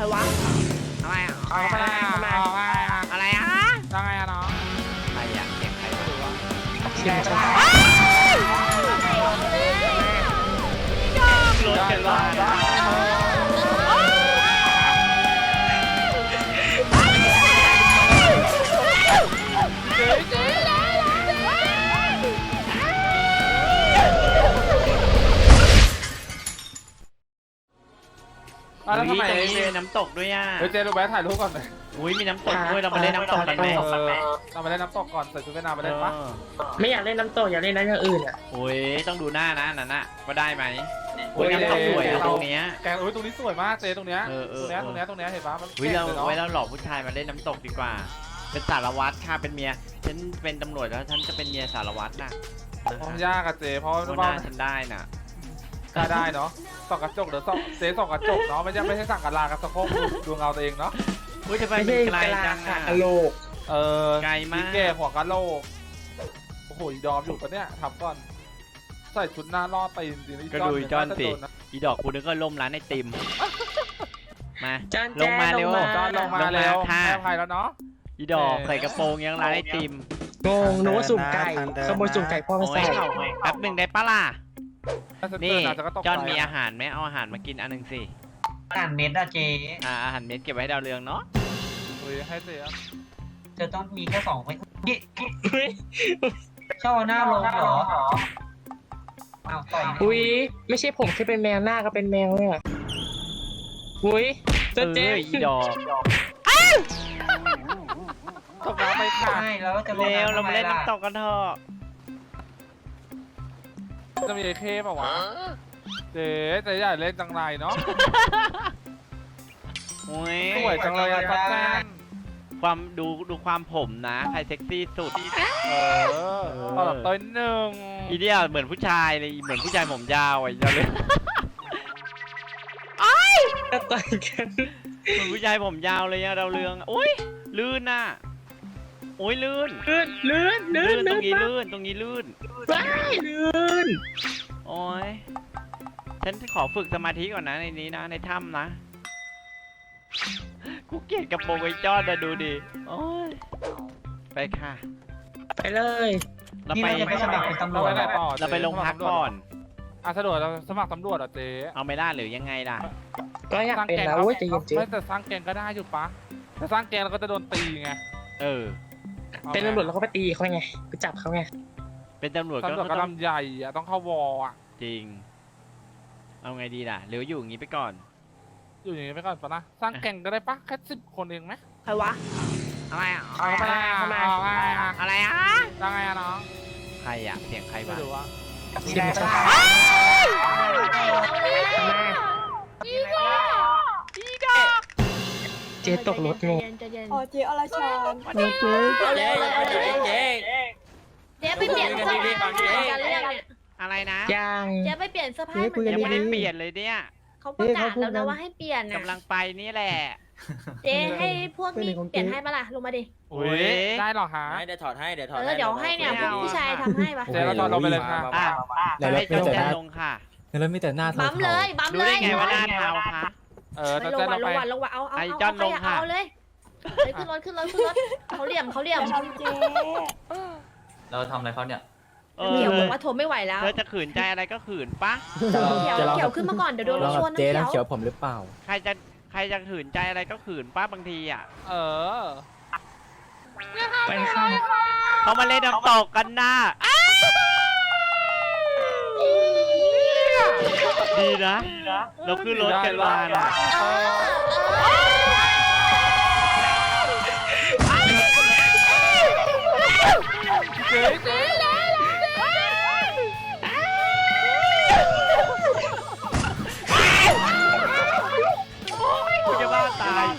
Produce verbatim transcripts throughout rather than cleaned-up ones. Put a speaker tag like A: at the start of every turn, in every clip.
A: รวะอะไรอ่ะอะไรอะไรอะไรอ่ะยังไงอ่ะน้องใครอ่ะเสียงใครไม่รู้ว่าเสียงใครรถกันว่าแล้วทำไมมีน้ำตกด้วยอ่ะเฮ้ยเจ๊รู้ไหมถ่ายรูปก่อนเลยอุ้ยมีน้ำตกด้วยเราไปเล่นน้ำตกกันไหมเราไปเล่นน้ำตกก่อนใส่ชุดว่ายน้ำไปเล่นปะ
B: ไม่อยากเล่นน้ำตกอยากเล่นน้ำอย่างอื่นอ่ะ
A: โอ้ยต้องดูหน้านะนั่นน่ะว่าได้ไหมโอ้ยน้ำตกสวยตรงเนี้ย
C: แกโอ้ยตรงนี้สวยมากเจ๊ตรงเนี้ยตรงเนี้ยตรงเนี้ยตรงเนี้ยเห็นปะมัน
A: อุ้ยเราไว้เราหลอกผู้ชายมาเล่นน้ำตกดีกว่าเป็นสารวัตรค่ะเป็นเมียฉันเป็นตำรวจแล้วฉันจะเป็นเมียสารวัตรน่ะ
C: ความยากอะเจ๊เพราะ
A: ว่าฉันได้น่ะ
C: ได้ได้เนาะส่องกระจกเดี๋ยวส่องเจ๊ส่องกระจกเนาะไม่ใช่ไม่ใช่สั่งกระลากระสะโพกดูเงาตัวเองเนาะ
A: อุ้ยจะไปไกลจังอะ
B: กะโหลก
C: เออ
A: ไกลมาก
C: แก่หัวกะโหลกโอ้โหยอมอยู่ปะเนี่ยทำก่อนใส่ชุดหน้าล่อตีนจริงๆ
A: ก็ดูจอนสิอีดอกกูนึกก็ล่มร้านไอติมมาลงมาเร็ว
C: จอนลงมาเร็วค่ะอภัยแล้วเนาะ
A: อีดอกใส่กระโปรงยังร้านไอติม
B: งงนึกว่าสุ่มไก่ขโมยสุ่มไก่พ่อมาใส่
A: แป๊บหนึ่งได้ปะล่ะนี่จอนมีอาหารไหมเอาอาหารมากินอันหนึ่งสิ
D: อาหารเม็ดอะเจ๊
A: อ่าอาหารเม็ดเก็บไว้ดาวเรืองเนาะ
C: อุ้ยให้เสีย
D: เธอต้องมีแค่สองไม่ชอบหน้าลงเหรออ้าวต่อย
B: อุ้ยไม่ใช่ผมแค่เป็นแมวหน้าก็เป็นแมวเลยอ่ะอุ้ย
A: เจ๊อีดอก
C: ตกน้ำไปค่ะ
D: แล้วจะ
A: เร็วเรามาเล่นน้ำตกกันเถอะ
C: จะมีไอ้เคป่ะวะเจ๊แต่ใหญ่เล่นจังไรเนาะสวยจังเลยอะแฟน
A: ความดูดูความผมนะใครเซ็กซี่สุด
C: เออตอนต้นหนึ่ง
A: อีเดียเหมือนผู้ชายเลยเหมือนผู้ชายผมยาวไอ้เจ้าเลย
B: ไอ้ก็ต่อยกัน
A: เหมือนผู้ชายผมยาวเลยอะดาวเรืองอุ้ยลื่นน่ะโอ้ยลื่น
B: ลื่นลื่นลื่น
A: ตรงนี้ลื่นตรงนี้ลื่น
B: ลื่น
A: โอ้ยฉันขอฝึกสมาธิก่อนนะในนี้นะในถ้ำนะกูเกลียดกระโปรงไอ้จอดนะดูดิโอ้ยไปค่ะ
B: ไปเลย
A: เราไป
D: ไปสมัครเป็นตำรวจ
A: เราไปลงพักก่อน
C: อ่ะสะดวกเราสมัครตำรวจอ่ะเจ๊
A: เอาไม่ได้หรือยังไงล่ะ
B: ก็อยากเป็นแล้วเว้ยจะยิงเจ๊
C: แต่สร้างแกงก็ได้อยู่ปะแต่สร้างแกงเราก็จะโดนตีไง
A: เออ
B: เป็นตำรวจแล้วก็ไปตีเขาไงไปจับเขาไง
A: เป็นตำรวจก็
C: กระลำใหญ่อะต้องเข้าวออ่ะ
A: จริงเอาไงดีล่ะหรืออยู่อย่างนี้ไปก่อน
C: อยู่อย่างนี้ไปก่อนปะนะสร้างแกงก็ได้ปะแค่สิบคนเองไหม
A: ใครวะอะไรอ่ะ
C: อะไรอ่ะ
A: อะไรอ่ะ
C: ยังไงอะน้อง
A: ใครอ่ะเสียงใครบ้าง
B: เสียงใคร
A: อีดอกอีดอก
B: เจ๊ตกรถไง
E: อ๋อเจ๊อรชร
A: เจ๊เจ๊เจ๊เจ๊
E: เจ๊ไปเปลี่ยนเสื้อผ้ากันเรื่องเนี่ย
A: อะไรนะ
B: ยัง
E: เจ๊ไปเปลี่ยนเสื้อผ้าเหมือน
A: ยังไม่ได้เปลี่ยนเลยเนี่ย
E: เขาประกาศแล้วนะว่าให้เปลี่ยนนะ
A: กำลังไปนี่แหละ
E: เจ๊ให้พวกนี้เปลี่ยนให้ปะล่ะลงมาดิ
C: โอ้ยได้หรอฮะ
D: เดี๋ยวถอดให้เดี๋ยวถอด
E: เออเดี๋ยวให้เนี่ยพวกผู้ชายทำให้ปะ
C: เจ๊เราถอดลงไปเลยค่ะ
A: แล้วให้จอนลงค่ะ
F: แล้วมีแต่หน้า
E: บั๊มเลยบั๊มเลย
A: ดูได้ไงว่าหน้าเทาคะ
C: เออ
E: ลงวันลงวันลงวันเอาเอาเอาจอนลงค่ะเอาเลยเลยขึ้นรถขึ้นรถขึ้นรถเขาเหลี่ยมเขาเหลี่ยมเจ๊
D: เราทำอะไรเขาเนี่ย
E: เขียวบอกว่าทนไม่ไหวแล้ว
A: เธอจะขืนใจอะไรก็ขืนปะ
E: เขียวเขียวขึ้นมาก่อนเดี๋ยวโดนรถชนนะ
F: เจ๊น้ำเขียวผมหรือเปล่า
A: ใครจะใครจะขืนใจอะไรก็ขืนป้าบางทีอ่ะ
C: เออ
B: ไปค่ะ
A: เขามาเล่นน้ำตกกันนะดีนะเราขึ้นรถกันมาน่ะ
C: เจ๊เจ๊
A: กูจะบ้าตาย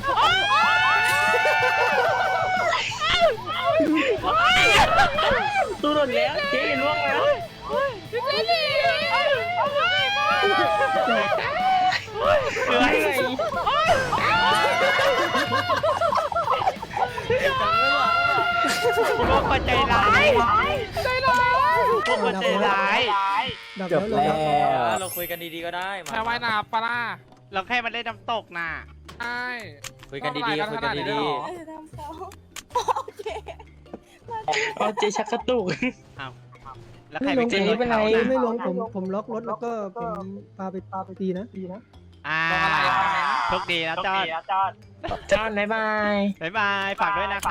B: ตู้หล่นแล้วเจ๊ล่วงแล้ว
A: เหนื่อยพวกมันใจร้ายใจร้ายพวกมันใจร้าย
F: จบแล้ว
D: เราคุยกันดีๆก็ได้
C: แค่ว่ายน้ำปลา
A: เราแค่มาเล่นน้ำตกน่ะ
C: ใช่
F: คุยกันดีๆคุยกันดี
B: เอาเจชักกระตุก
A: แล้วใคร
B: ไม่
A: ไป
B: ลง
A: ขึ้นรถ
B: เป็นไร
A: เขา
G: ไม่
A: น่ะ
G: ลงผมผมล็อกรถแล้วก็ผมพาไปพาไปตีนะตีนะ
A: อ่าโชคดีนะจอด
B: จอนบ๊ายบาย
A: บ๊ายบายฝากด้วยนะคะ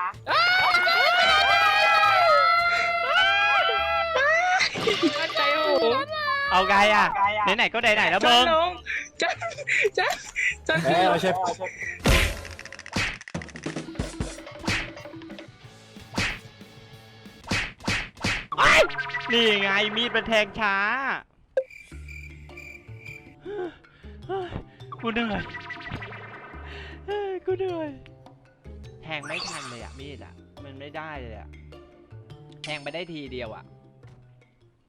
B: ใจหู
A: เอาไงอ่ะไหนๆก็ไหนๆแล้ว
B: จอ
A: เบิ้
B: น
A: ง
B: น้องจอนจอนจอน
F: ๆเอ้ยไม่ใช่
A: นี่ไงมีดเป็นแทงช้ากูเหนื่อยกูเหนื่อยแทงไม่ทันเลยอ่ะมีดอ่ะมันไม่ได้เลยอ่ะแทงไปได้ทีเดียวอ่ะ